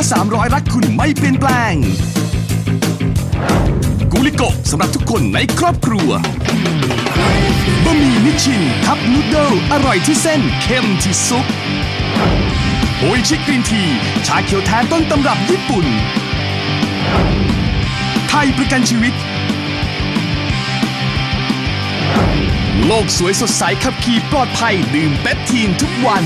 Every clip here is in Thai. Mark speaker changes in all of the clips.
Speaker 1: 300รักคุณไม่เปลี่ยนแปลงกูลิโกสำหรับทุกคนในครอบครัวบะหมี่นิชชินคัพนูดเดิลอร่อยที่เส้นเข้มที่ซุปโออิชิกรีนทีชาเขียวแท้ต้นตำรับญี่ปุ่นไทยประกันชีวิตโลกสวยสดใสขับขี่ปลอดภัยดื่มเปปทีนทุกวัน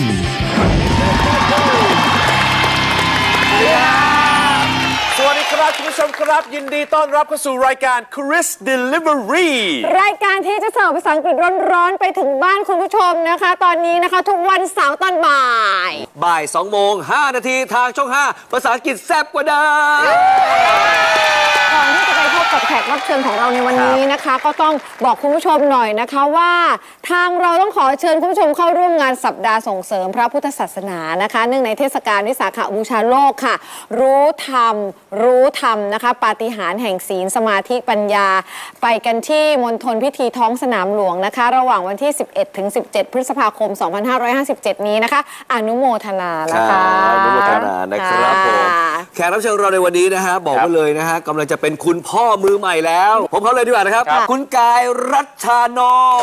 Speaker 2: สวัสดีครับคุณผู้ชมครับยินดีต้อนรับเข้าสู่รายการ Chris Delivery
Speaker 3: รายการที่จะเสิร์ฟภาษาอังกฤษร้อนๆไปถึงบ้านคุณผู้ชมนะคะตอนนี้นะคะทุกวันเสาร์ตอนบ่าย
Speaker 4: 2 โมง 5 นาทีทางช่อง 5 ภาษาอังกฤษแซ่บกว่าเดิม
Speaker 3: ก่อนที่จะไปพบกับแขกรับเชิญของเราในวันนี้นะคะก็ต้องบอกคุณผู้ชมหน่อยนะคะว่าทางเราต้องขอเชิญคุณผู้ชมเข้าร่วมงานสัปดาห์ส่งเสริมพระพุทธศาสนานะคะเนื่องในเทศกาลวิสาขบูชาโลกค่ะรู้ธรรมนะคะปาฏิหาริย์แห่งศีลสมาธิปัญญาไปกันที่มณฑลพิธีท้องสนามหลวงนะคะระหว่างวันที่11 ถึง 17 พฤษภาคม 2557 นี้นะคะอนุโมทนานะคะ
Speaker 4: อนุโมทนานะครับผมแขกรับเชิญเราในวันนี้นะฮะบอกไว้เลยนะฮะกำลังจะเป็นคุณพ่อมือใหม่แล้วผมเขาเลยดีกว่านะครับคุณกายรัชชานนท์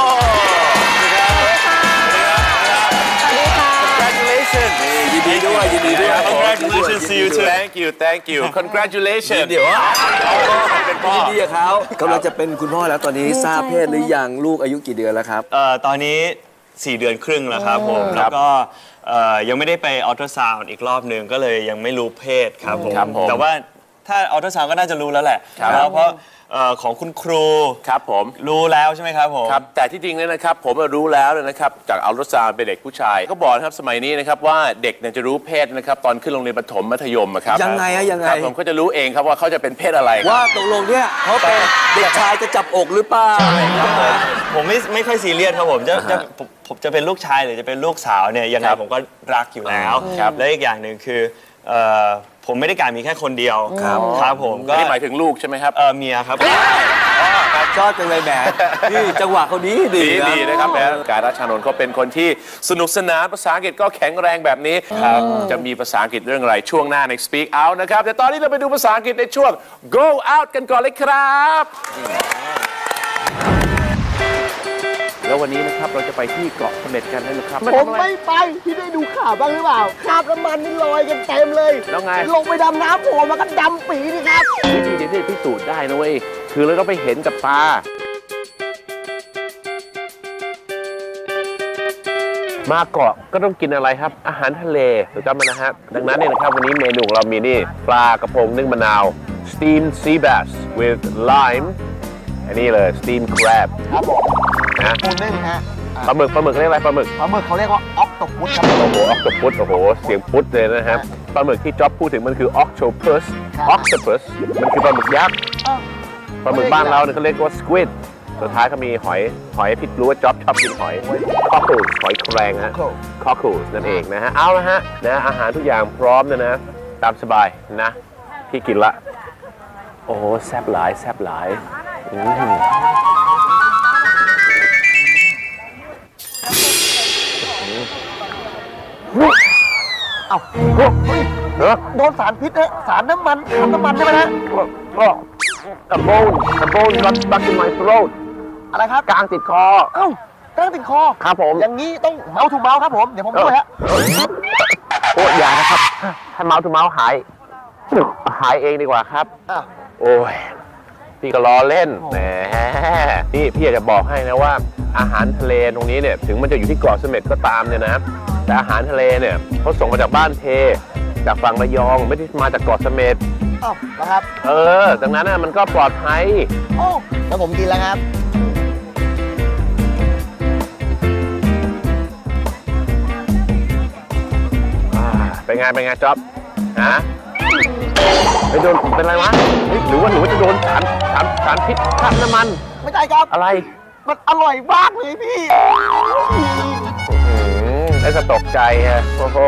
Speaker 4: ยินดีด้วย
Speaker 2: Congratulations to you too Thank you Congratulations
Speaker 4: เดี๋ยวเป็นพ่อยินดีกับเขากำลังจะเป็นคุณพ่อแล้วตอนนี้ทราบเพศหรือยังลูกอายุกี่เดือนแล้วครับ
Speaker 5: ตอนนี้4 เดือนครึ่งแล้วครับผมแล้วก็ยังไม่ได้ไปอัลตราซาวด์อีกรอบนึงก็เลยยังไม่รู้เพศครับผมแต่ว่าถ้าอัลตราซาวด์ก็น่าจะรู้แล้วแหละเพราะของคุณครู
Speaker 2: ครับผม
Speaker 5: รู้แล้วใช่ไหมครับผม
Speaker 2: ครับแต่ที่จริงเนี่ยนะครับผมรู้แล้วนะครับจากอัลตราซาวด์เป็นเด็กผู้ชายก็บอกนะครับสมัยนี้นะครับว่าเด็กเนี่ยจะรู้เพศนะครับตอนขึ้นโรงเรียนประถมมัธยมครับ
Speaker 4: ยังไง
Speaker 2: ผมก็จะรู้เองครับว่าเขาจะเป็นเพศอะไร
Speaker 4: ว่าตกลงเนี่ยเขาเป็นเด็กชายจะจับอกหรือเปล่า
Speaker 5: ผมไม่ค่อยซีเรียสครับผมจะเป็นลูกชายหรือจะเป็นลูกสาวเนี่ยยังไงผมก็รักอยู่แล้วและอีกอย่างหนึ่งคือผมไม่ได้การมีแค่คนเดียวครับผมก็
Speaker 2: หมายถึงลูกใช่ไหมครับ
Speaker 5: เมียครับ
Speaker 4: ชอบจังเลยแหมนี่จังหวะเขาดี
Speaker 2: นะครับแหมกายรัชชานนท์เขาเป็นคนที่สนุกสนานภาษาอังกฤษก็แข็งแรงแบบนี้จะมีภาษาอังกฤษเรื่องอะไรช่วงหน้าใน Speak Out นะครับแต่ตอนนี้เราไปดูภาษาอังกฤษในช่วง Go Out กันก่อนเลยครับแล้ววันนี้นะครับเราจะไปที่เกาะเสม็ดกันนะครับ
Speaker 6: ผมไม่ไปพี่ได้ดูข่าวบ้างหรือเปล่าคราบน้ำมันนี่ลอยกันเต็มเลย
Speaker 2: แล้วไง
Speaker 6: ลงไปดำน้ำโผล่มาก็ดำปีนี่ครับ
Speaker 2: วิธีที่พิสูจน์ได้นะเว้ยคือเราต้องไปเห็นกับตามาเกาะก็ต้องกินอะไรครับอาหารทะเลถูกต้องไหมนะฮะดังนั้นเนี่ยนะครับวันนี้เมนูของเรามีนี่ปลากระพงนึ่งมะนาว steamed sea bass with lime อันนี้เลย steamed crab
Speaker 6: ครับผมนะปูนึ่งฮะ
Speaker 2: ปลาหมึกเรียกอะไรปลาหมึก
Speaker 6: เขาเรียกว่าออกโตพุสครับ
Speaker 2: โอ้โหออกโตพุสโอ้โหเสียงพุสเลยนะครับปลาหมึกที่จ๊อบพูดถึงมันคือ octopus มันคือปลาหมึกยักษ์ปลาหมึกบ้านเราเนี่ยเขาเรียกว่า squid สุดท้ายเขามีหอยผิดรู้ว่าจ๊อบชอบกินหอย cockles หอยแครงฮะ cockles นั่นเองนะฮะเอาละฮะนะอาหารทุกอย่างพร้อมนะตามสบายนะพี่กินละโอ้แซ่บหลาย
Speaker 6: เอ้าโดนสารพิษนะสารน้ำมันใช่ไหมฮะ
Speaker 2: A bone got stuck in my throat
Speaker 6: อะไรครับ
Speaker 2: กลางติดคอ
Speaker 6: เอ้ากลางติดคอ
Speaker 2: ครับผม
Speaker 6: อย่างนี้ต้องเมาส์ทูเมาส์ครับผมเดี๋ยวผมช่วยฮะ
Speaker 2: โอ้อย่านะครับให้เมาส์ทูเมาส์หายเองดีกว่าครับโอ้ยพี่ก็ล้อเล่นแหมนี่พี่อยากจะบอกให้นะว่าอาหารทะเลตรงนี้เนี่ยถึงมันจะอยู่ที่เกาะเสม็ดก็ตามเนี่ยนะแต่อาหารทะเลเนี่ยเขาส่งมาจากบ้านเพจากฝั่งระยองไม่ได้มาจากเกาะเสม็ด
Speaker 6: นะครับ
Speaker 2: ดังนั้นมันก็ปลอดภัย
Speaker 6: แล้วผมกินแล้วครับ
Speaker 2: เป็นไงจ๊อบฮะไปโดนเป็นไรวะหรือว่าจะโดนสารพิษคราบน้ำมัน
Speaker 6: ไม่ใช่ครับ
Speaker 2: อะไร
Speaker 6: มันอร่อยมากเลยพี่
Speaker 2: แล้วก็ตกใจฮะโอ้โห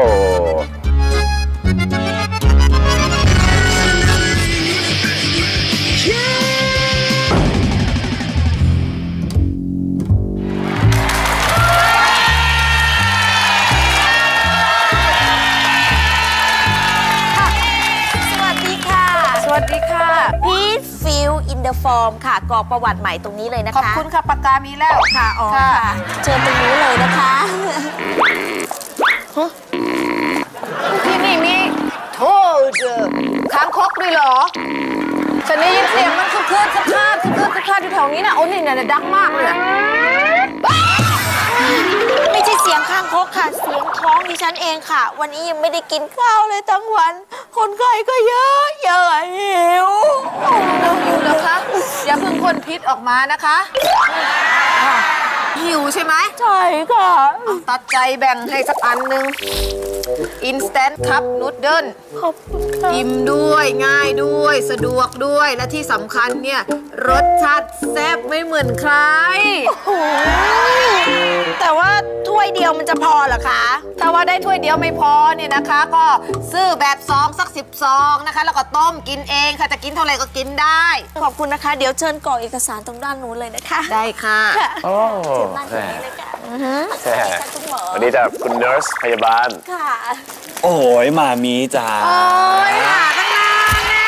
Speaker 7: Please fill in the form ค่ะกรอกประวัติใหม่ตรงนี้เลยนะคะ
Speaker 3: ขอบคุณค่ะปากกามีแล้วค่ะอ๋อค่ะ
Speaker 7: เชิญตรงนี้เลยนะคะ
Speaker 3: ที่นี่มีโทษค้างคกด้วยเหรอฉันได้ยินเสียงมันคือคืนสักคาอยู่แถวนี้นะโอ้นี่เนี่ยดังมากเลย
Speaker 7: ไม่ใช่เสียงข้างคกค่ะเสียงท้องดิฉันเองค่ะวันนี้ยังไม่ได้กินข้าวเลยทั้งวันคนไข้ก็เยอะหิว
Speaker 3: หิวเหรอคะอย่าเพิ่งพ่นพิษออกมานะคะหิวใช่ไหม
Speaker 7: ใช่ค่ะ
Speaker 3: ตัดใจแบ่งให้สักอันหนึ่ง Instant Cup Noodle
Speaker 7: ขอบคุณค่ะ
Speaker 3: อิ่มด้วยง่ายด้วยสะดวกด้วยและที่สำคัญเนี่ยรสชาติแซ่บไม่เหมือนใคร
Speaker 7: แต่ว่าถ้วยเดียวมันจะพอเหรอคะ
Speaker 3: ถ้าว่าได้ถ้วยเดียวไม่พอเนี่ยนะคะ ก็ซื้อแบบซองสัก10 ซองนะคะแล้วก็ต้มกินเองค่ะจะกินเท่าไหร่ก็กินได้
Speaker 7: ขอบคุณนะคะเดี๋ยวเชิญกรอกเอกสารตรงด้านนู้นเลยนะคะ
Speaker 3: ได้ค่ะ
Speaker 2: โอ้
Speaker 7: เชิญนั่งตรงนี้เลยค่ะสวัสดีค่ะคุณหมอ
Speaker 2: วันนี้จะคุณ nurse พยาบาล
Speaker 7: ค่ะ
Speaker 5: โอ้ยหมามีจ๋า
Speaker 3: โอ้ยหาตั้งนานนะ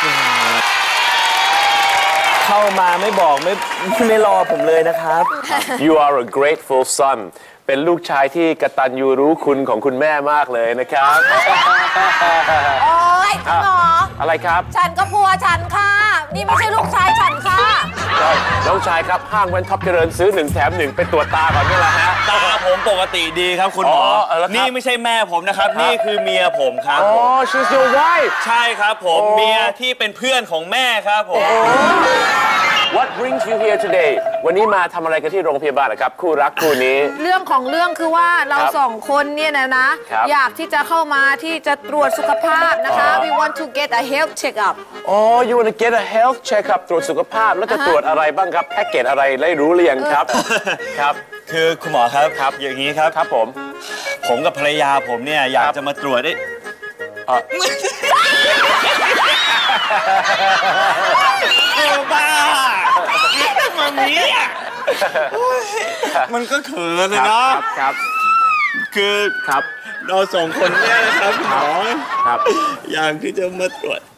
Speaker 5: เข้ามาไม่บอกไม่รอผมเลยนะครับ
Speaker 2: You are a grateful son เป็นลูกชายที่กตัญญูรู้คุณของคุณแม่มากเลยนะครับ
Speaker 3: โอ้ยคุณหมอ
Speaker 2: อะไรครับ
Speaker 3: ฉันก็พัวฉันค่ะ นี่ไม่ใช่ลูกชายฉันค่ะ
Speaker 2: น้องชายครับห้างแว่นท็อปเจริญซื้อ1 แถม 1ไปตรวจตาก่อนนี่แหละฮะ
Speaker 5: ตาผมปกติดีครับคุณหมอ
Speaker 2: แล้วครับ
Speaker 5: นี่ไม่ใช่แม่ผมนะครับ นี่คือเมียผมครับ
Speaker 2: อ๋อ she's your wife
Speaker 5: ใช่ครับผมเมียที่เป็นเพื่อนของแม่ครับผม
Speaker 2: What brings you here today วันนี้มาทำอะไรกันที่โรงพยาบาลนะครับคู่รักคู่นี้
Speaker 3: เรื่องของเรื่องคือว่าเรา
Speaker 2: ครับ
Speaker 3: สองคนเนี่ยนะครับ อยากที่จะเข้ามาที่จะตรวจสุขภาพนะคะ We want to get a health check up
Speaker 2: อ๋อ you want to get a health check-up ตรวจสุขภาพแล้วจะตรวจอะไรบ้างครับแพ็กเกจอะไรได้รู้หรือยังครับ ครับ
Speaker 5: คือคุณหมอครับอย่างนี้ครับ
Speaker 2: ครับผม
Speaker 5: ผมกับภรรยาผมเนี่ยอยากจะมาตรวจได้บ้ามันนี้มันก็เขินนะเนาะ
Speaker 2: ครับ
Speaker 5: คือ
Speaker 2: ครับ
Speaker 5: เราสองคนเนี่ยนะครับคุณหมอ
Speaker 2: ครับ
Speaker 5: อยากที่จะมาตรวจ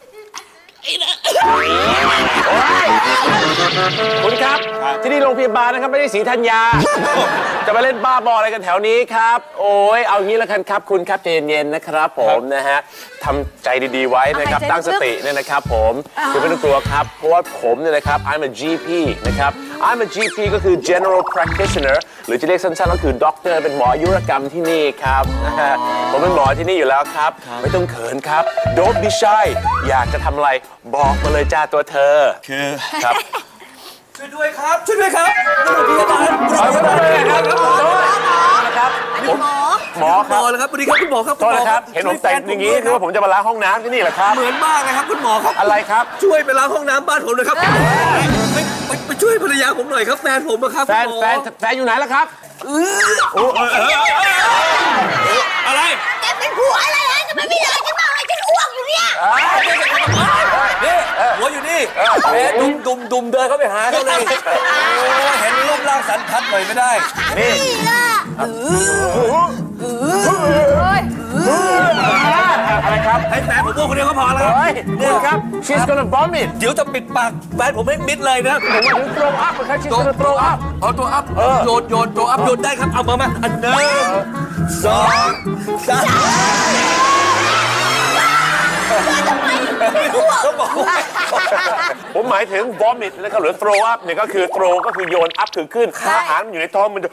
Speaker 2: คุณครับ ที่นี่โรงพยาบาลนะครับไม่ได้ศรีธัญญา จะมาเล่นบ้าบออะไรกันแถวนี้ครับ โอ้ยเอางี้แล้วกันครับคุณครับใจเย็นๆนะครับผมนะฮะทำใจดีๆไว้นะครับตั้งสติเนี่ยนะครับผมคุณไม่ต้องกลัวครับเพราะว่าผมเนี่ยนะครับ I'm a GP นะครับ I'm a GP ก็คือ General Practitioner หรือจะเรียกสั้นๆก็คือด็อกเตอร์เป็นหมออายุรกรรมที่นี่ครับนะฮะผมเป็นหมอที่นี่อยู่แล้วครับไม่ต้องเขินครับ Don't be shy อยากจะทำอะไรบอกมาเลยจ้าตัวเธอ
Speaker 5: คือ
Speaker 2: ครับ
Speaker 4: ช่วยด้วยครับช่วยด้วยครับพยาบาล
Speaker 2: หมอครับ
Speaker 4: เลยครับสวัสดีครับคุณหมอครับ
Speaker 2: โทษนะครับเห็นผมแต่งอย่างนี้นึกว่าผมจะมาล้างห้องน้ำที่นี่เหรอครับ
Speaker 4: เหมือนมากเลยครับคุณหมอครับ
Speaker 2: อะไรครับ
Speaker 4: ช่วยไปล้างห้องน้ำบ้านผมหน่อยครับไปช่วยภรรยาผมหน่อยครับแฟนผมนะครับ
Speaker 2: แฟนอยู่ไหนล่ะครับ
Speaker 5: อะไร
Speaker 7: แกเป็นผัวอะไรฮะจะไม่มีอะไรฉันบ้างอะไรฉันอ้วกอยู่เนี่ย
Speaker 4: นี่หัวอยู่นี่แม่ดุมเดินเข้าไปหาเขาเลยเห็นรูปร่างสันทัดหน่อยไม่ได้นี่
Speaker 2: อะไรครับ
Speaker 4: ให้แฟนผมพูดคนเดียวก็พอแล้ว
Speaker 2: เฮ้ยนี่ครับ she's gonna vomit
Speaker 4: เดี๋ยวจะปิดปากแฟนผมให้มิดเลยนะ
Speaker 2: ผมมาถึง throw up นะครับ she's gonna throw up
Speaker 4: เอาตัวอัพโยนตัวอัพโยนได้ครับเอามาอันหนึ่งสองสาม
Speaker 2: ผมหมายถึง vomit นะครับหรือ throw up เนี่ยก็คือ throw ก็คือโยน up คือขึ้นอาหารมันอยู่ในท้องมันจะ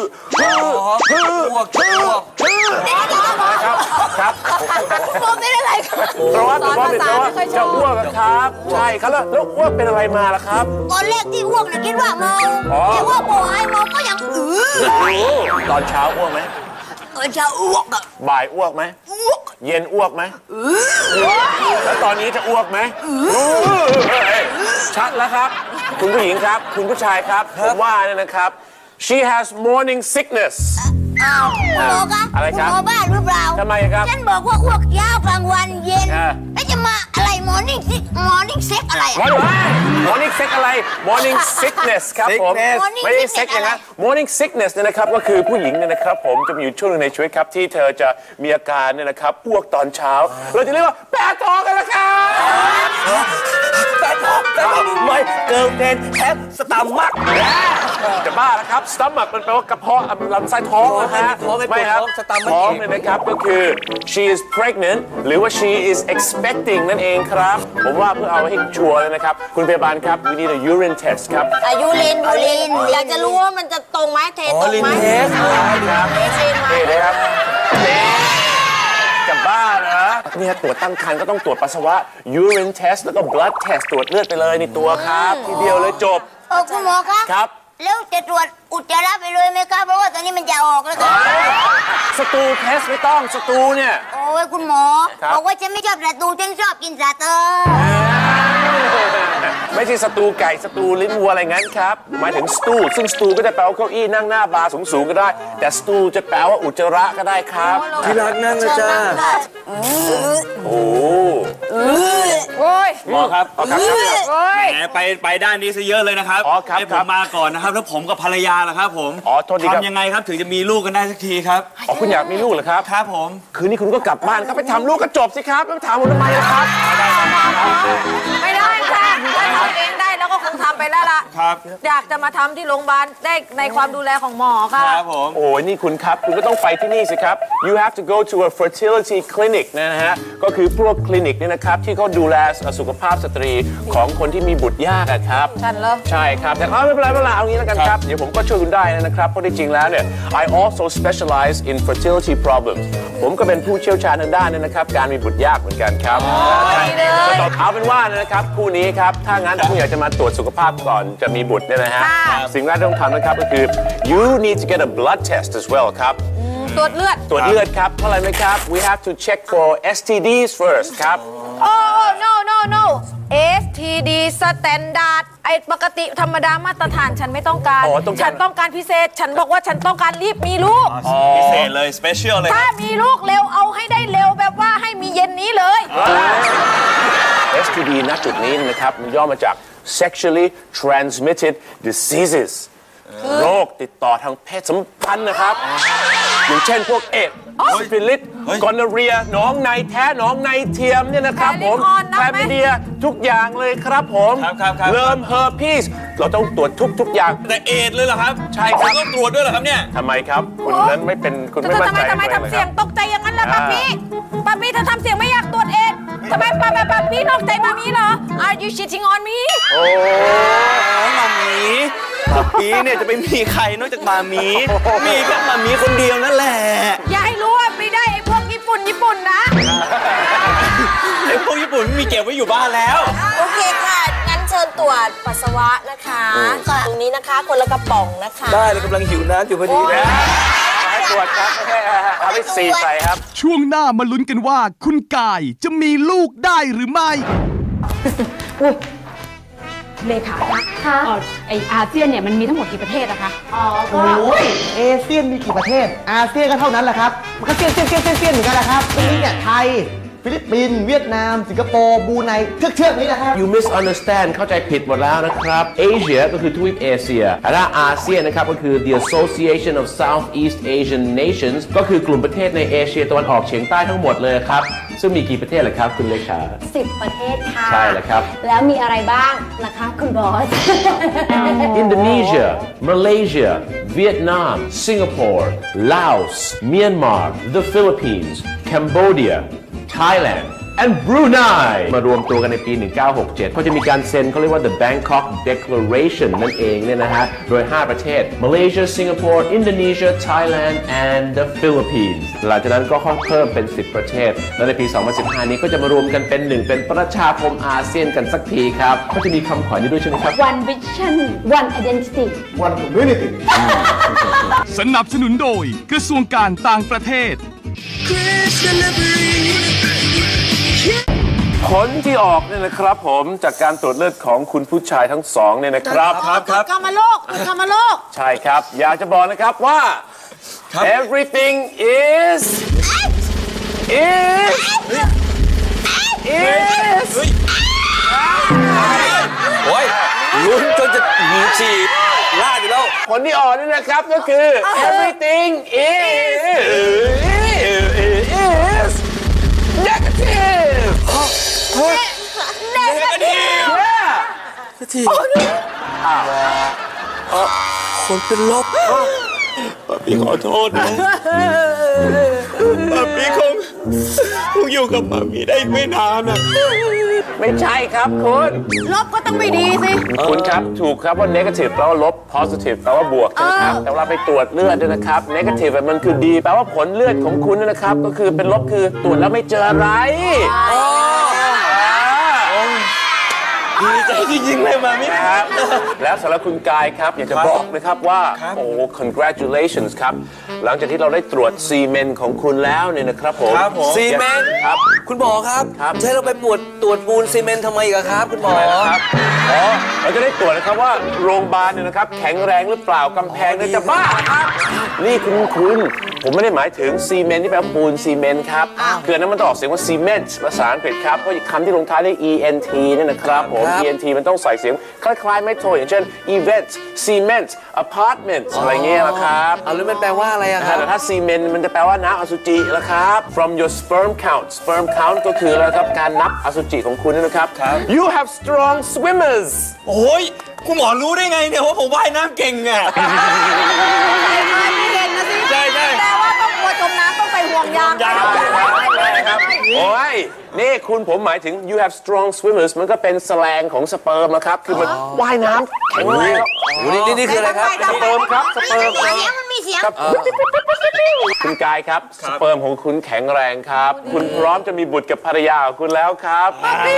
Speaker 2: ครับ
Speaker 7: ผมเป็นอะไรครับ
Speaker 2: throw up หรือ vomit แปลว่าจะอ้วกครับใช่ครับแล้วอ้วกเป็นอะไรมาล่ะครับ
Speaker 7: ตอนแรกที่อ้วกน่ะคิดว่าเมาคิดว่าบ่อยเมาก็ยัง
Speaker 2: ตอนเช้าอ้วกไหม
Speaker 7: จะอ้วกอ่ะ
Speaker 2: บ่ายอ้วกไหมเย็นอ้วกไหมแล้วตอนนี้จะอ้วกไหมชัดแล้วครับ คุณผู้หญิงครับ คุณผู้ชายครับผมว่าเนี่ยนะครับ she has morning sickness
Speaker 7: อ้าวคุณหมอคะ
Speaker 2: อะไรครับ
Speaker 7: คุณหมอบ้าหรือเปล่า
Speaker 2: ทำไมครับ
Speaker 7: ฉันบอกว่าอ้วกเช้ากลางวันเย็นแล้วจะมาอะไร morning sick อะไรอะ
Speaker 2: morning sick อะไร morning sickness ครับผม
Speaker 7: Morning
Speaker 2: ไม่ได้
Speaker 7: sickness
Speaker 2: sick อย่างนั้น
Speaker 7: อะไร
Speaker 2: morning sickness เนี่ยนะครับก็คือผู้หญิงเนี่ยนะครับผมจะมีอยู่ช่วงหนึงในชีวิตครับที่เธอจะมีอาการเนี่ยนะครับอ้วกตอนเช้าเราจะเรียกว่าแปะท้องกันละครับ
Speaker 4: แต่ไม่เกิร์ลเฟนแฮปสตาร์มัก
Speaker 2: จะบ้าแล้วครับ stomach มันแปลว่ากระเพาะลำไส้ท้องนะฮะ
Speaker 4: ท้องไม่ปวด
Speaker 2: ครับ
Speaker 4: ท้อง stomach
Speaker 2: ท้องเนี่ยนะครับก็คือ she is pregnant หรือว่า she is expecting นั่นเองครับผมว่าเพื่อเอาให้ชัวร์เลยนะครับคุณพยาบาลครับ we need a urine test ครับ
Speaker 7: ยูรินอยากจะรู้ว่ามันจะตรงไหมเทตรงไหม
Speaker 2: ครับ
Speaker 7: เทเทนไหม
Speaker 2: นี่นะครับจะบ้าเหรอเนี่ยตรวจตั้งครรภ์ก็ต้องตรวจปัสสาวะ urine test แล้วก็ blood test ตรวจเลือดไปเลยในตัวครับทีเดียวเลยจบ
Speaker 7: คุณหมอครับ
Speaker 2: ครับ
Speaker 7: แล้วจะตรวจอุจจาระไปเลยไหมครับเพราะว่าตอนนี้มันจะออกแล้วครับ
Speaker 2: สตูเทสไม่ต้องสตูเนี่ย
Speaker 7: โอ้ยคุณหมอ
Speaker 2: ครับ
Speaker 7: บอกว่าฉันไม่ชอบสตูฉันชอบกินสาเตอร์
Speaker 2: ไม่ใช่สตูไก่สตูลิ้นวัวอะไรงั้นครับหมายถึงสตูซึ่งสตูก็จะแปลว่าเก้าอี้นั่งหน้าบาร์สูงๆก็ได้ แต่สตูจะแปลว่าอุจจาระก็ได้ครับ
Speaker 4: ที่รักนั่งนะจ้า
Speaker 2: โอ้
Speaker 3: โอ้ย
Speaker 5: หมอครับ
Speaker 3: โอ้ย
Speaker 5: แหมไปด้านนี้ซะเยอะเลยนะครับ
Speaker 2: อ๋อครับ
Speaker 5: ให้
Speaker 2: ค
Speaker 5: ผ
Speaker 2: รั
Speaker 5: ม
Speaker 2: บ
Speaker 5: มาก่อนนะครับแล้วผมกับภรรยาล่ะครับผม
Speaker 2: อ๋อโทษทีครับ
Speaker 5: ทำยังไงครับถึงจะมีลูกกันได้สักทีครับ
Speaker 2: อ๋อคุณอยากมีลูกเหรอครับ
Speaker 5: ครับผม
Speaker 2: คืนนี้คุณก็กลับบ้านครับไปทำลูกก็จบสิครับไม่ต้องถามผมทำไมล่ะครับ
Speaker 8: ไม่ได้ค่ะถ้าทำเองได้แล้วก็คงทำไปแล้วล่ะ
Speaker 5: ครับ
Speaker 8: อยากจะมาทำที่โรงพยาบาลได้ในความดูแลของหมอค่ะ
Speaker 5: ครับผม
Speaker 2: โอ้ยนี่คุณครับคุณก็ต้องไปที่นี่สิครับ you have to go to a fertility clinic นะฮะก็คือพวกคลินิกเนี่ยนะครับที่เขาดูแลสุขภาพสตรีของคนที่มีบุตรยากอะครับ
Speaker 8: ฉันเหรอ
Speaker 2: ใช่ครับแต่ไม่เป็นไรเอางี้แล้วกันครับเดี๋ยวผมก็ช่วยคุณได้นะครับเพราะที่จริงแล้วเนี่ย I also specialize in fertility problems ผมก็เป็นผู้เชี่ยวชาญทางด้านเนี่ยนะครับการมีบุตรยากเหมือนกันครับเอาเป็นว่านะครับคู่นี้ครับถ้างั้นคุณอยากจะมาตรวจสุขภาพก่อนจะมีบุตรเนี่ยนะฮะสิ่งแรกที่ต้องทำนะครับก็คือ you need to get a blood test as well ครับ
Speaker 8: ตรวจเลือด
Speaker 2: ตรวจเลือดครับเท่าไหร่ไหมครับ we have to check for STDs first ครับ
Speaker 8: โอ้ no STD standard ไอ้ปกติธรรมดามาตรฐานฉันไม่ต้องการ
Speaker 2: อ๋อต้องการ
Speaker 8: ฉันต้องการพิเศษ ฉันบอกว่าฉันต้องการรีบมีลูก
Speaker 5: พิเศษเลย สเปเชียลเลย
Speaker 8: ถ้ามีลูกเร็วเอาให้ได้เร็วแบบว่าให้มีเย็นนี้เลย
Speaker 2: STD ณจุดนี้นะครับมันย่อมาจาก sexually transmitted diseases โรคติดต่อทางเพศสัมพันธ์นะครับอย่างเช่นพวกเอดส์ซิฟิลิสกอนเรียหนองในแท้หนองในเทียมเนี่ยนะครับผม
Speaker 8: แค
Speaker 2: แค
Speaker 8: ล
Speaker 2: ล
Speaker 8: มิ
Speaker 2: มิ
Speaker 8: เดี
Speaker 2: เดี
Speaker 8: ย
Speaker 2: ยทุกอย่างเลยครับผม
Speaker 5: ครับ
Speaker 2: เริ่มเฮอร์พีสเราต้องตรวจทุกอย่าง
Speaker 5: แต่เอดเลยเหรอครับ
Speaker 2: ใช่ครับ
Speaker 5: ต้องตรวจด้วยเหรอครับเนี่ย
Speaker 2: ทำไมครับคุณนั้นไม่เป็นคุณไม่มั่นใจ
Speaker 8: ทำไม
Speaker 2: เลย
Speaker 8: ทำเสียง
Speaker 2: นะครับ
Speaker 8: ตกใจอย่างนั้นล่ะป้าพี่เธอทำเสียงไม่อยากตรวจเองทำไมป้าพี่นอกใจมามีเหรอ Are you cheating on me
Speaker 2: โอ้
Speaker 5: มามีปีเนี่ยจะไปมีใครนอกจากมามีมีก็มามีคนเดียวนั่นแหละ
Speaker 8: อย่าให้รู้ว่าไม่ได้ไอ้พวกญี่ปุ่นนะ
Speaker 5: ไอ้พวกญี่ปุ่นมีเก็บไว้อยู่บ้านแล้ว
Speaker 7: โอเคค่ะงั้นเชิญตรวจปัสสาวะนะคะตรงนี้นะคะคนละกระป๋องนะคะ
Speaker 4: ได้เลยกำลังหิวน้ำอยู่พอดีนะ
Speaker 2: ให้ตรวจครับเอาไปสีใส่ครับ
Speaker 1: ช่วงหน้ามาลุ้นกันว่าคุณกายจะมีลูกได้หรือไม่
Speaker 9: เลขาคะไออาเซียนเนี่ยมันมีทั้งหมดกี่ประเทศอะคะ
Speaker 6: โอ้ยเอเชียนมีกี่ประเทศ อาเซียนก็เท่านั้นแหละครับ มันก็เซียนเหมือนกันแหละครับตรงนี้เนี่ยไทย ฟิลิปปินส์เวียดนาม สิงคโปร์บรูไนเทือกนี้นะครับ
Speaker 2: you misunderstand เข้าใจผิดหมดแล้วนะครับ Asia ก็คือทวีปเอเชียและอาเซียนนะครับก็คือ the Association of Southeast Asian Nations ก็คือกลุ่มประเทศในเอเชียตะวันออกเฉียงใต้ทั้งหมดเลยครับซึ่งมีกี่ประเทศล่ะครับคุณเลขา
Speaker 10: 10 ประเทศค่ะ
Speaker 2: ใช่แล้วครับ
Speaker 10: แล้วมีอะไรบ้างนะคะคุณบอส
Speaker 2: Indonesia Malaysia Vietnam Singapore Laos Myanmar the Philippines Cambodia Thailand and Brunei มารวมตัวกันในปี 1967เขาจะมีการเซ็นเขาเรียกว่า the Bangkok Declaration นั่นเองเนี่ยนะฮะโดย 5 ประเทศ Malaysia Singapore Indonesia Thailand and the Philippines หลังจากนั้นก็เพิ่มเป็น 10 ประเทศ และในปี 2015 นี้ก็จะมารวมกันเป็นเป็นประชาคมอาเซียนกันสักทีครับเขาจะมีคำขวัญนี้ด้วยใช่ไหมครับ
Speaker 10: One Vision One Identity
Speaker 6: One Community
Speaker 1: สนับสนุนโดยกระทรวงการต่างประเทศ
Speaker 2: ผลที่ออกเนี่ยนะครับผมจากการตรวจเลือดของคุณผู้ชายทั้งสองเนี่ยนะครับ
Speaker 8: กรรมโรค
Speaker 2: ใช่ครับอยากจะบอกนะครับว่า everything is is
Speaker 4: โอ้ยลุ้นจนจะหีฉีดลาดอยู่แล้ว
Speaker 2: ผลที่ออกนี่นะครับก็คือ everything is negative
Speaker 4: คนเป็นลบ
Speaker 5: พี่ขอโทษนะป๊าปี้คงอยู่กับป๊าปี้ได้ไม่นานอ่ะ
Speaker 2: ไม่ใช่ครับคุณ
Speaker 8: ลบก็ต้องไม่ดีสิ
Speaker 2: คุณครับถูกครับว่า negative แปลว่าลบ positive แปลว่าบวกใช่ไหมครับแต่เวลาไปตรวจเลือดด้วยนะครับ negative มันคือดีแปลว่าผลเลือดของคุณนะครับก็คือเป็นลบคือตรวจแล้วไม่เจออะไร
Speaker 5: ดีใจจริงๆเลยมามิ
Speaker 2: ครับแล้วสำหรับคุณกายครับอยากจะบอกนะครับว่าโอ้ congratulations ครับหลังจากที่เราได้ตรวจซีเมนต์ของคุณแล้วเนี่ยนะครับผม
Speaker 4: ซีเมนต์
Speaker 2: ครับ
Speaker 4: คุณหมอครับ
Speaker 2: ครับ
Speaker 4: ใช่เราไปตรวจปูนซีเมนต์ทำไมอีกอะครับคุณหมอ
Speaker 2: ครับเราจะได้ตรวจนะครับว่าโรงพยาบาลเนี่ยนะครับแข็งแรงหรือเปล่ากำแพงเนี่ยจะบ้าครับนี่คุณผมไม่ได้หมายถึงซีเมนต์ที่แปลว่าปูนซีเมนต์ครับคืออันนั้นมันต้องออกเสียงว่าซีเมนต์ภาษาอังกฤษครับเพราะคำที่ลงท้ายด้วย ent เนี่ยนะครับผม ent มันต้องใส่เสียงคล้ายๆไม่โทอย่างเช่น event cement apartment อะไรเงี้ยนะครับ
Speaker 4: แล้วมันแปลว่าอะไรอะครับ
Speaker 2: แต่ถ้าซีเมนต์มันจะแปลว่าน้ำอสุจินะครับ from your sperm count ก็คืออะไรครับการนับอสุจิของคุณนะครับ you have strong swimmers
Speaker 5: โอ้ยคุณหมอรู้ได้ไงเนี่ยว่าผมว่ายน้ำเก่งอ่ะ
Speaker 8: ไม่เก่งนะสิ
Speaker 5: ใช่
Speaker 8: แต่ว่าต้องกลัวจมน้ำต้องใส่ห่วงยาง
Speaker 2: โอ้ยนี่คุณผมหมายถึง you have strong swimmers มันก็เป็นแสลงของสเปิร์มนะครับคือมันว่ายน้ำแข็งแรง
Speaker 4: นี่คืออะไรครับ
Speaker 2: สเปิร์มครับสเปิร์ม
Speaker 7: มันมีเสียง
Speaker 2: คุณกายครับสเปิร์มของคุณแข็งแรงครับคุณพร้อมจะมีบุตรกับภรรยาของคุณแล้วครับ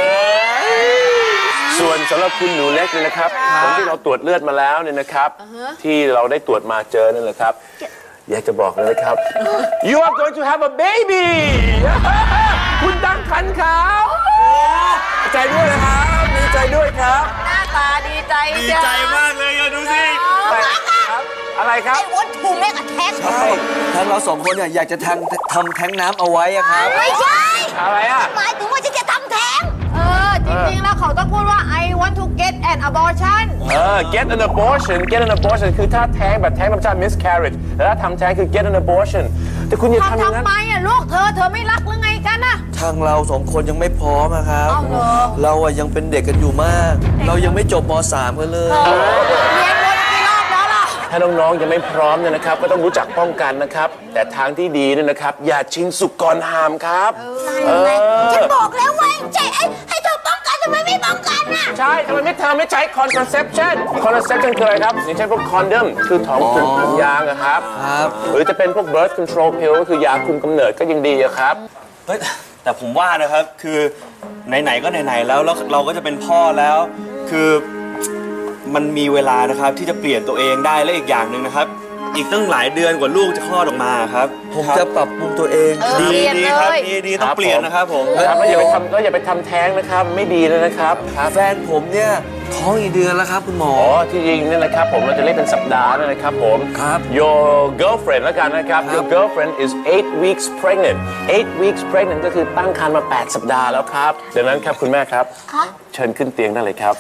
Speaker 2: ส่วนสำหรับคุณหนูเล็กเนี่ยนะครับผลที่เราตรวจเลือดมาแล้วเนี่ยนะครับที่เราได้ตรวจมาเจอนั่นแหละครับอยากจะบอกเลยนะครับ you are going to have a baby คุณตั้งครรภ์ครับดีใจด้วยนะครับดีใจด้วยครับ
Speaker 8: หน้าตาดีใจ
Speaker 5: ดีใจมากเลยอะดูสิ
Speaker 2: อะไรครับ
Speaker 7: ไอ้วัตถุแม่กระแทก
Speaker 4: ใช่ทั้งเราสองคนเนี่ยอยากจะทำแท้งน้ำเอาไว้อะครับ
Speaker 7: ไม่ใช่
Speaker 2: อะไรอ่ะ
Speaker 7: หมายถึงว่าฉันจะทำแท้ง
Speaker 8: จริงๆแล้วเขาต้องพูดว่า I want to get an abortion
Speaker 2: get an abortion คือถ้าแท้งแบบแท้งธรรมชาติ miscarriage แต่ถ้าทำแท้งคือ get an abortion แต่คุณอย่าทำอย่างนั้น
Speaker 8: ทำไมอ่ะลูกเธอไม่รักหรือไงกันน่ะ
Speaker 4: ทางเราสองคนยังไม่พร้อมอะครับ
Speaker 8: เอาเหรอ
Speaker 4: เราอะยังเป็นเด็กกันอยู่มาก เรายังไม่จบม.3 กันเลย
Speaker 8: เรียนวนกี่รอบแล้วล่ะ
Speaker 2: ถ้าน้องๆยังไม่พร้อมเนี่ยนะครับก็ต้องรู้จักป้องกันนะครับ แต่ทางที่ดีเนี่ยนะครับอย่าชิงสุกก่อนหามครับ
Speaker 7: ฉันบอกแล้วไงให้เธอป้องกันทำไมไม่ป้องกันน่ะ
Speaker 2: ใช่ทำไมเธอไม่ใช้ contraception คืออะไรครับอย่างเช่นพวก condom คือถุงยางนะครับ หรือจะเป็นพวก birth control pill ก็คือยาคุมกำเนิดก็ยังดีอะครับ
Speaker 5: เฮ้ยแต่ผมว่านะครับคือไหนๆก็ไหนๆแล้วเราก็จะเป็นพ่อแล้วคือมันมีเวลานะครับที่จะเปลี่ยนตัวเองได้และอีกอย่างหนึ่งนะครับ อีกตั้งหลายเดือนกว่าลูกจะคลอดออกมาครับ
Speaker 4: ผมจะปรับปรุงตัวเอง
Speaker 5: ดีครับดีต้องเปลี่ยนนะครับผม
Speaker 2: ครับแล้วอย่าไปทำแท้งนะครับไม่ดีเลยนะครับ
Speaker 4: แฟนผมเนี่ยท้องอีกเดือนแล้วครับคุณหมอ
Speaker 2: ที่จริงเนี่ยนะครับผมเราจะเรียกเป็นสัปดาห์นะครับผม
Speaker 4: ครับ
Speaker 2: your girlfriend แล้วกันนะครับ your girlfriend is 8 weeks pregnant 8 weeks pregnant ก็คือตั้งครรภ์มา8 สัปดาห์แล้วครับดังนั้นครับคุณแม่ครับเชิญขึ้นเตียงได้เลยครับ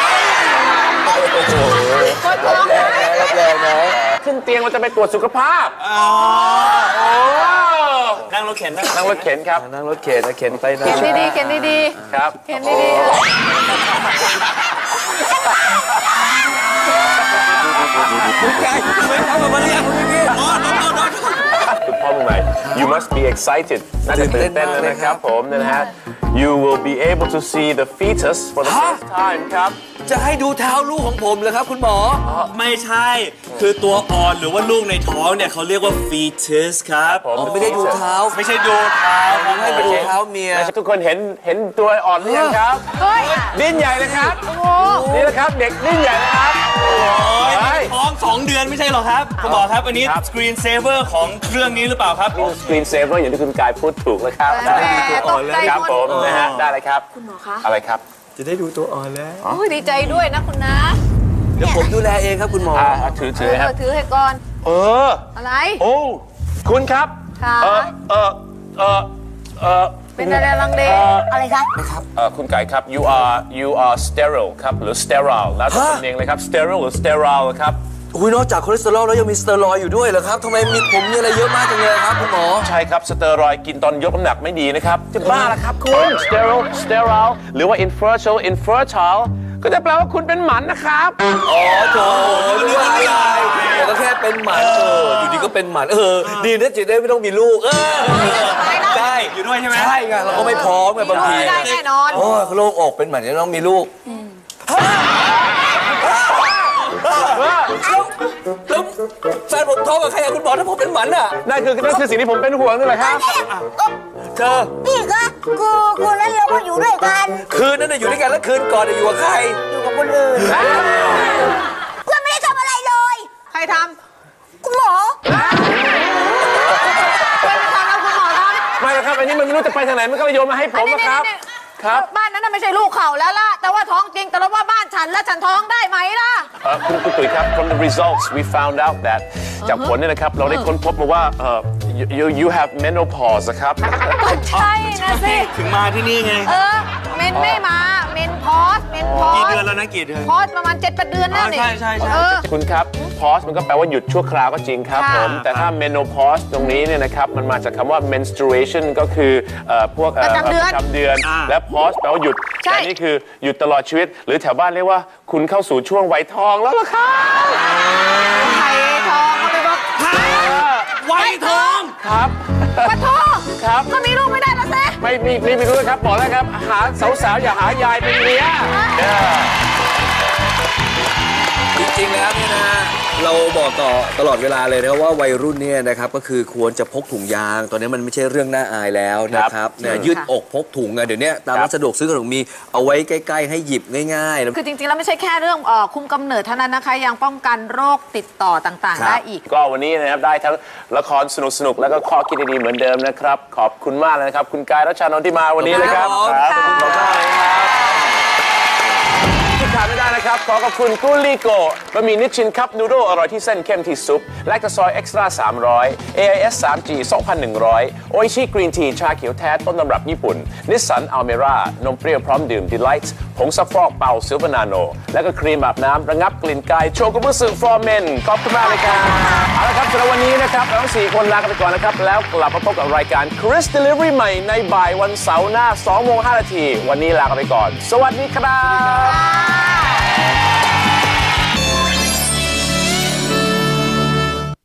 Speaker 2: รับแรงนะขึ้นเตียงเราจะไปตรวจสุขภาพ
Speaker 5: นั่งรถเข็นครับ
Speaker 2: นั่งรถเข็นครับ
Speaker 4: นั่งรถเข็นนะเข็นไปนะ
Speaker 8: เขียนดี
Speaker 2: ครับ
Speaker 8: ๆเขียนดีๆ
Speaker 4: คุณกายไม่ทำแบบนี้คุณพี่
Speaker 2: คุณพ่อมือใหม่ you must be excited น่าจะตื่นเต้นเลยนะครับผมนะฮะ you will be able to see the fetus for the first time ครับ
Speaker 4: จะให้ดูเท้าลูกของผมเลยครับคุณหมอ
Speaker 5: ไม่ใช่คือตัวอ่อนหรือว่าลูกในท้องเนี่ยเขาเรียกว่า fetus ครับ
Speaker 4: ผมไม่ได้ดูเท้า
Speaker 5: ไม่ใช่ดูเท้าครับ
Speaker 4: ให้ดูเท้าเมีย
Speaker 2: ทุกคนเห็นตัวอ่อนหรือยังครับดิ้นใหญ่เลยครับนี่แหละครับเด็กดิ้นใหญ่นะครับ
Speaker 5: ท้อง2 เดือนไม่ใช่หรอครับคุณหมอครับอันนี้ screen saver ของเครื่องนี้หรือเปล่าครับ
Speaker 2: screen saver อย่างที่คุณกายพูดถูกแล้วครับครับผมนะฮะได้เลยครับคุณหมอคะอะไรครับ
Speaker 4: จะได้ดูตัวอ่อนแล้ว
Speaker 8: โอ้ยดีใจด้วยนะคุณนะ
Speaker 4: เดี๋ยวผมดูแลเองครับคุณหมอ
Speaker 2: ถือครับ
Speaker 8: ถือให้ก่อน อะไร
Speaker 2: โอ้คุณครับ
Speaker 8: ค่ะเป็นอะไรลังเลอะไรคะ
Speaker 2: คุณไก่ครับ you are sterile ครับหรือ sterile แล้วแต่คนเองเลยครับ sterile หรือ sterile ครับ
Speaker 4: อุ้ยนอกจากคอเลสเตอรอลแล้วยังมีสเตียรอยด์อยู่ด้วยเหรอครับทำไมมีผมมีอะไรเยอะมากจังเลยครับคุณหมอ
Speaker 2: ใช่ครับสเตียรอยด์กินตอนยกน้ำหนักไม่ดีนะครับจะบ้าละครับคุณ sterile หรือว่า infertile ก็จะแปลว่าคุณเป็นหมันนะครับ
Speaker 4: อ๋อโถนึกว่าอะไรก็แค่เป็นหมันอยู่ดีก็เป็นหมันดีนะจะได้ไม่ต้องมีลูกใช่
Speaker 5: อยู่ด้วยใช่ไหม
Speaker 4: ใช่ไงเราก็ไม่พร้อมไงบางที
Speaker 8: ไม่ได้แน่นอน
Speaker 4: โอ้โล่งอกเป็นหมันจะต้องมีลูกแล้วแฟนผมท้องกับใครคุณหมอถ้าผมเป็นหมันอ่ะ
Speaker 2: นั่นคือสิ่งที่ผมเป็นห่วงนี่แหละครับ
Speaker 4: เธอ
Speaker 7: นี่คะคืนนั้นเราก็อยู่ด้วยกัน
Speaker 4: คืนนั้นอยู่ด้วยกันแล้วคืนก่อนอยู่กับใคร
Speaker 7: อยู่กับคนอื่นเพื่อนไม่ได้ทำอะไรเลย
Speaker 8: ใครท
Speaker 7: ำคุณหมอ
Speaker 8: ไม่ได้ทำแล้วคุณหมอท
Speaker 2: ำไม่ครับอันนี้มันไม่รู้จะไปทางไหนมันก็เลยโยนมาให้ผมนะครับ
Speaker 8: บ้านนั้นไม่ใช่ลูกเขาแล้วล่ะแต่ว่าท้องจริงแต่ว่าบ้านฉันและฉันท้องได้ไหมล่ะ
Speaker 2: คุณตุ๋ยครับ from the results we found out that จากผลเนี่ยนะครับเราได้ค้นพบมาว่า you have menopause ครับ
Speaker 8: ใช่นะสิ
Speaker 5: ถึงมาที่นี่ไง
Speaker 8: เมนไม่มาเมนพอส
Speaker 5: กี่เดือนแล้วนะกี่เดือน
Speaker 8: พอสประมาณ 7-8 เดือนนั่นเอง
Speaker 5: ใช่
Speaker 2: คุณครับ pause มันก็แปลว่าหยุดชั่วคราวก็จริงครับผมแต่ถ้า menopause ตรงนี้เนี่ยนะครับมันมาจากคำว่า menstruation ก็คือพวก
Speaker 8: ประจำเ
Speaker 2: ดือนและ pause แปลว่าหยุดแต่นี่คือหยุดตลอดชีวิตหรือแถวบ้านเรียกว่าคุณเข้าสู่ช่วงวัยทองแล้วล่ะครับ
Speaker 8: วัยทองเขาไปบอก
Speaker 5: วัยทอง
Speaker 2: ครับ
Speaker 8: ปะโท
Speaker 2: ครับ
Speaker 8: ก็มีลูกไม่ได้แล้วเซ่
Speaker 2: ไม่รู้ครับบอกแล้วครับหาสาวๆอย่าหายายเป็นเมีย
Speaker 4: จริงๆแล้วเนี่ยนะเราบอกต่อตลอดเวลาเลยนะว่าวัยรุ่นเนี่ยนะครับก็คือควรจะพกถุงยางตอนนี้มันไม่ใช่เรื่องน่าอายแล้วนะครับเนี่ยยืดอกพกถุงเดี๋ยวนี้ตามร้านสะดวกซื้อขนมมีเอาไว้ใกล้ๆให้หยิบง่ายๆ
Speaker 8: คือจริงๆแล้วไม่ใช่แค่เรื่องคุมกำเนิดเท่านั้นนะคะยังป้องกันโรคติดต่อต่างๆได้อีก
Speaker 2: ก็วันนี้นะครับได้ทั้งละครสนุกๆแล้วก็ข้อคิดดีๆเหมือนเดิมนะครับขอบคุณมากเลยนะครับคุณกายรัชชานนท์ที่มาวันนี้เลยครับขอบคุณมากเลยครับขาดไม่ได้นะครับขอขอบคุณกุลิโกบะหมี่นิชชินคัพนูโดอร่อยที่เส้นเข้มที่ซุปแลคตาซอยเอ็กซ์ตร้า300 AIS 3G 2,100โออิชิกรีนทีชาเขียวแท้ต้นตำรับญี่ปุ่นนิสสันอัลเมร่านมเปรี้ยวพร้อมดื่มดีไลท์ผงซักฟอกเป่าซิลเวอร์นาโนและก็ครีมอาบน้ำระงับกลิ่นกายโชกุบุสึฟอร์เมนขอบคุณมากเลยครับเอาละครับสำหรับวันนี้นะครับเราทั้ง4คนลากันไปก่อนนะครับแล้วกลับมาพบกับรายการ Chris Delivery ใหม่ในบ่ายวันเสาร์หน้า 2:05 น.วันนี้ลากันไปก่อนสวัสดีครับ